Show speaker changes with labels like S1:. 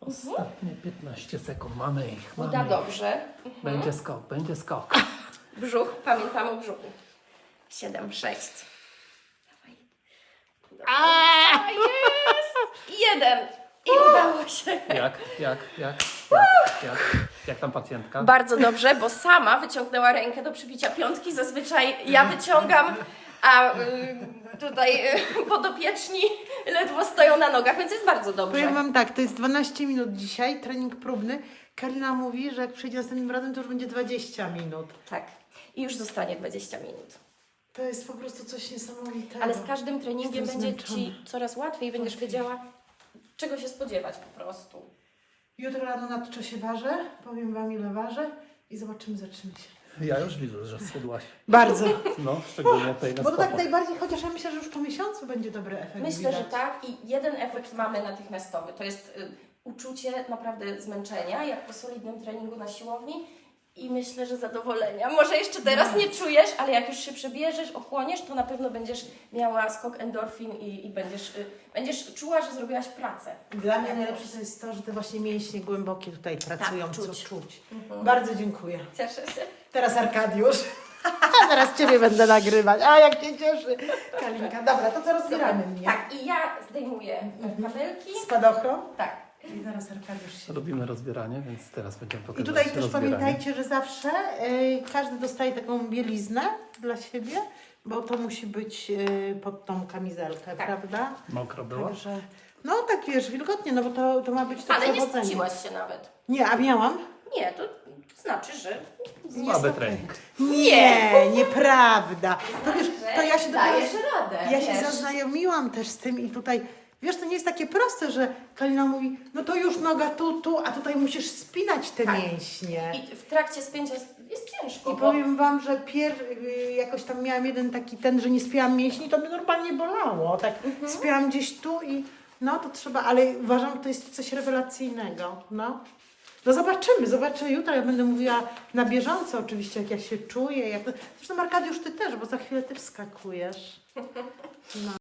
S1: Ostatnie 15 sekund, mamy ich. Mamy
S2: Uda
S1: ich.
S2: dobrze.
S1: Będzie skok, będzie skok.
S2: Brzuch, pamiętam o brzuchu. 7, 6. Dawaj. A jest! 1. I udało się.
S1: Jak tam pacjentka?
S2: Bardzo dobrze, bo sama wyciągnęła rękę do przybicia piątki. Zazwyczaj ja wyciągam, a tutaj podopieczni ledwo stoją na nogach, więc jest bardzo dobrze.
S3: Powiem Wam tak, to jest 12 minut dzisiaj, trening próbny. Karina mówi, że jak przyjdzie następnym razem, to już będzie 20 minut.
S2: Tak. I już zostanie 20 minut.
S3: To jest po prostu coś niesamowitego.
S2: Ale z każdym treningiem
S3: Jestem
S2: będzie
S3: zmęczona.
S2: Ci coraz łatwiej, będziesz wiedziała, czego się spodziewać po prostu.
S3: Jutro rano nadto się ważę, powiem Wam ile ważę i zobaczymy, zaczniemy się.
S1: Ja już widzę, że schudłaś.
S3: Bardzo.
S1: No, szczególnie tutaj na
S3: Bo to tak
S1: stopach.
S3: najbardziej, chociaż ja myślę, że już po miesiącu będzie dobry efekt.
S2: Myślę, że
S3: widać.
S2: tak i jeden efekt mamy natychmiastowy. To jest uczucie naprawdę zmęczenia, jak po solidnym treningu na siłowni i myślę, że zadowolenia. Może jeszcze teraz nie czujesz, ale jak już się przebierzesz, ochłoniesz, to na pewno będziesz miała skok endorfin i będziesz czuła, że zrobiłaś pracę.
S3: Dla mnie najlepsze to jest to, że te właśnie mięśnie głębokie tutaj pracują,
S2: Tak,
S3: co
S2: czuć.
S3: czuć. Bardzo dziękuję.
S2: Cieszę się.
S3: Teraz Arkadiusz. Teraz Ciebie będę nagrywać. A jak się cieszy. Kalinka. Dobra, to co rozbieramy mnie?
S2: Tak, i ja zdejmuję kabelki.
S3: Spadochron.
S2: Tak.
S3: I zaraz Arkadiusz się...
S1: Robimy rozbieranie, więc teraz będziemy
S3: I
S1: pokazywać
S3: tutaj też
S1: rozbieranie.
S3: pamiętajcie, że zawsze każdy dostaje taką bieliznę dla siebie, bo to musi być pod tą kamizelkę,
S2: Tak.
S3: prawda?
S1: Mokro było?
S3: Także, no tak wiesz, wilgotnie, no bo to ma być to
S2: Ale nie
S3: przewodzenie.
S2: spociłaś się nawet.
S3: Nie, a miałam?
S2: Nie, to znaczy, że
S1: Słaby trening.
S3: Nie, nieprawda. To wiesz, to ja się dopiero...
S2: dajesz radę.
S3: Ja się
S2: wiesz.
S3: zaznajomiłam też z tym i tutaj, wiesz, to nie jest takie proste, że Kalina mówi, no to już noga tu, a tutaj musisz spinać te
S2: Tak.
S3: mięśnie.
S2: I w trakcie spięcia jest ciężko.
S3: I
S2: bo-
S3: powiem Wam, że jakoś tam miałam jeden taki że nie spięłam mięśni, to mnie normalnie bolało. Tak spięłam gdzieś tu i no to trzeba, ale uważam, że to jest coś rewelacyjnego. No. No zobaczę jutro, ja będę mówiła na bieżąco oczywiście, jak ja się czuję. Zresztą Arkadiusz, Ty też, bo za chwilę Ty wskakujesz. No.